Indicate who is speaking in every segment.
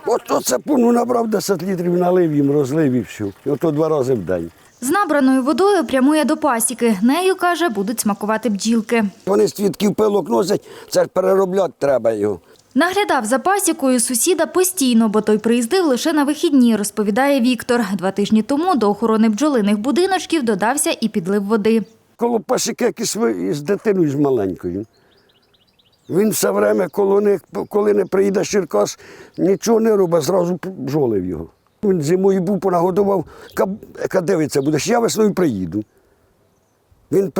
Speaker 1: Ото сапуну набрав 10 літрів, налив їм, розлив і все. Ото 2 рази в день.
Speaker 2: З набраною водою прямує до пасіки. Нею, каже, будуть смакувати бджілки.
Speaker 1: Вони з цвітків пилок носять, це ж переробляти треба його.
Speaker 2: Наглядав за пасікою сусіда постійно, бо той приїздив лише на вихідні, розповідає Віктор. 2 тижні тому до охорони бджолиних будиночків додався і підлив води.
Speaker 1: Коло пасіки якийсь з дитиною з маленькою. Він все время, коли не приїде з Черкас, нічого не робить, зразу бджолив його. Він зимою був, понагодував, яка дивиться будеш, я весною приїду. Він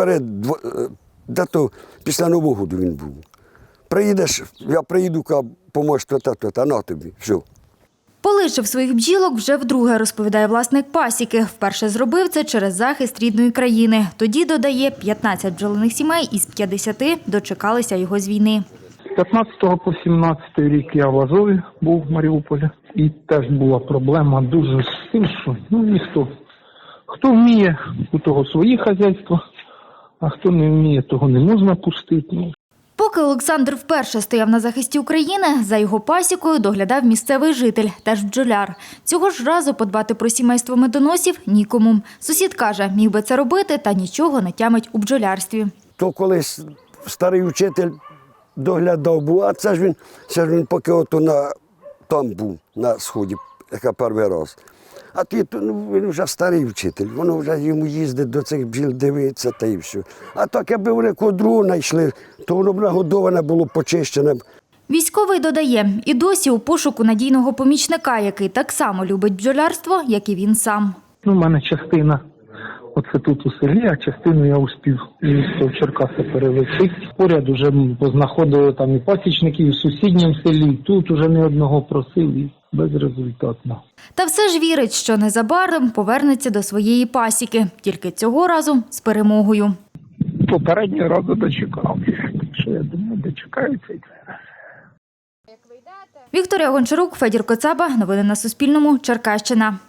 Speaker 1: дето після Нового року він був. Приїдеш, я приїду, поможеш то, на тобі, все.
Speaker 2: Полишив своїх бджілок вже вдруге, розповідає власник пасіки. Вперше зробив це через захист рідної країни. Тоді, додає, 15 бджолиних сімей із 50 дочекалися його з війни.
Speaker 3: З 15 по 17 рік я в Азові був в Маріуполі. І теж була проблема дуже з тим, що ніхто. Хто вміє, у того свої хазяйства, а хто не вміє, того не можна пустити.
Speaker 2: Поки Олександр вперше стояв на захисті України, за його пасікою доглядав місцевий житель, теж бджоляр. Цього ж разу подбати про сімейство медоносів нікому. Сусід каже, міг би це робити, та нічого не тямить у бджолярстві.
Speaker 1: То колись старий вчитель доглядав був, а це ж він поки там був, на Сході, яка перший раз. А він вже старий вчитель, воно вже йому їздить до цих бджіл, дивиться та й все. А так, якби вони кого другого знайшли, то воно б нагодоване було, почищене.
Speaker 2: Військовий додає, і досі у пошуку надійного помічника, який так само любить бджолярство, як і він сам.
Speaker 3: У мене частина оце тут у селі, а частину я успів місто в Черкаси перевести. Поряд уже познаходили там і пасічників, і в сусідньому селі, тут уже не одного просив і безрезультатно.
Speaker 2: Та все ж вірить, що незабаром повернеться до своєї пасіки, тільки цього разу з перемогою.
Speaker 3: Попереднього разу дочекав, що я думаю, дочекаються і це.
Speaker 2: Вікторія Гончарук, Федір Коцаба. Новини на Суспільному. Черкащина.